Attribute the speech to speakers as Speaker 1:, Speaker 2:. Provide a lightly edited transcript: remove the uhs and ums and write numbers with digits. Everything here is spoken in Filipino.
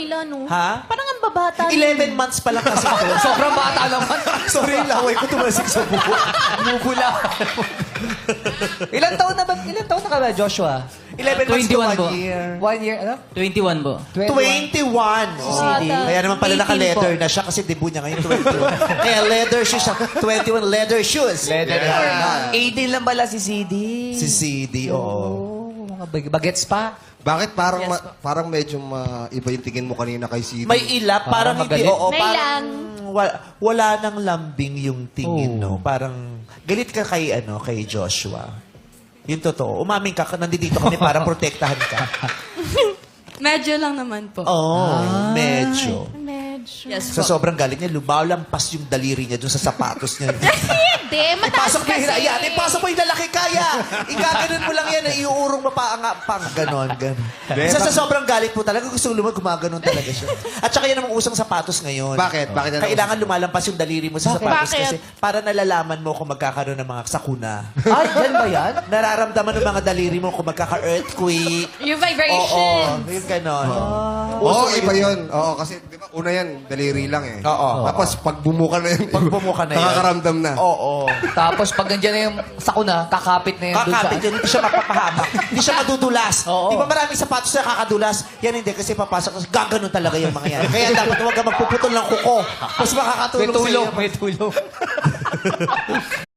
Speaker 1: nila, no?
Speaker 2: Ha?
Speaker 1: Parang ang babata.
Speaker 2: 11 months pa lang kasi ito.
Speaker 3: Sobrang bata naman.
Speaker 2: Sorry, yung laway ko tumasik sa buko.
Speaker 3: Mugula. Ilan taon na ka ba, Joshua?
Speaker 2: 11 months to
Speaker 4: 21 po.
Speaker 2: 1 year.
Speaker 3: 1 year, ano?
Speaker 4: 21 po.
Speaker 2: 21.
Speaker 3: Si CD.
Speaker 2: Kaya naman pala
Speaker 1: 18
Speaker 2: naka-leather
Speaker 1: po.
Speaker 2: na siya kasi debut niya ngayon 21. Kaya leather shoes siya. 21 leather shoes.
Speaker 3: Leather.
Speaker 2: Yeah.
Speaker 3: 18 lang pala si CD.
Speaker 2: Si CD, oo.
Speaker 3: Oh, mga bagets pa.
Speaker 5: Bakit parang medyo iba yung tingin mo kanina kay CD?
Speaker 2: May ilap, parang hindi,
Speaker 3: magalit.
Speaker 2: oo.
Speaker 1: May
Speaker 2: Parang
Speaker 1: lang.
Speaker 2: wala nang lambing yung tingin, no? Parang galit ka kay Joshua. Yung totoo. Umaming ka, nandito kami para protektahan ka.
Speaker 6: Medyo lang naman po.
Speaker 2: Oo, medyo.
Speaker 1: Medyo.
Speaker 6: Yes
Speaker 2: Sa
Speaker 6: po.
Speaker 2: sobrang galit niya, lumalampas yung daliri niya dun sa sapatos niya.
Speaker 1: Hindi, mataas
Speaker 2: Ipasok mo yung
Speaker 1: kasi.
Speaker 2: Yan, ipasok mo yung lalaki kaya. Igaganon mo lang yan, iuurong mo pa pang ganon. Isa sa sobrang galit po talaga, gusto lumag, gumaganon talaga siya. At saka yan ang usang sapatos ngayon.
Speaker 5: Bakit? Bakit na
Speaker 2: Kailangan lumalampas yung daliri mo sa sapatos
Speaker 1: Bakit?
Speaker 2: kasi para nalalaman mo kung magkakaroon ng mga sakuna.
Speaker 3: Ay, yan ba yan?
Speaker 2: Nararamdaman ng mga daliri mo kung magkaka-earthquake.
Speaker 6: Yung vibration.
Speaker 2: Oo, yung ganon.
Speaker 5: Oo, iba yun. Oo, kasi di ba una yan, daliri lang eh.
Speaker 2: Oo.
Speaker 5: Tapos pag bumuka na yun,
Speaker 2: Pag bumuka na yan.
Speaker 5: nakakaramdam na.
Speaker 2: Oo.
Speaker 3: Tapos pag nandiyan na yung sakuna, kakapit na yun dun sa...
Speaker 2: Kakapit yun, hindi siya mapapahamak. Hindi siya madudulas.
Speaker 3: Oo.
Speaker 2: Di ba maraming sapatos na kakadulas? Yan hindi, kasi papasok, gaganon talaga yung mga yan. Kaya dapat huwag ka magpuputol ng kuko. Mas makakatulong
Speaker 3: May tulong,
Speaker 2: sa'yo.
Speaker 3: may tulong.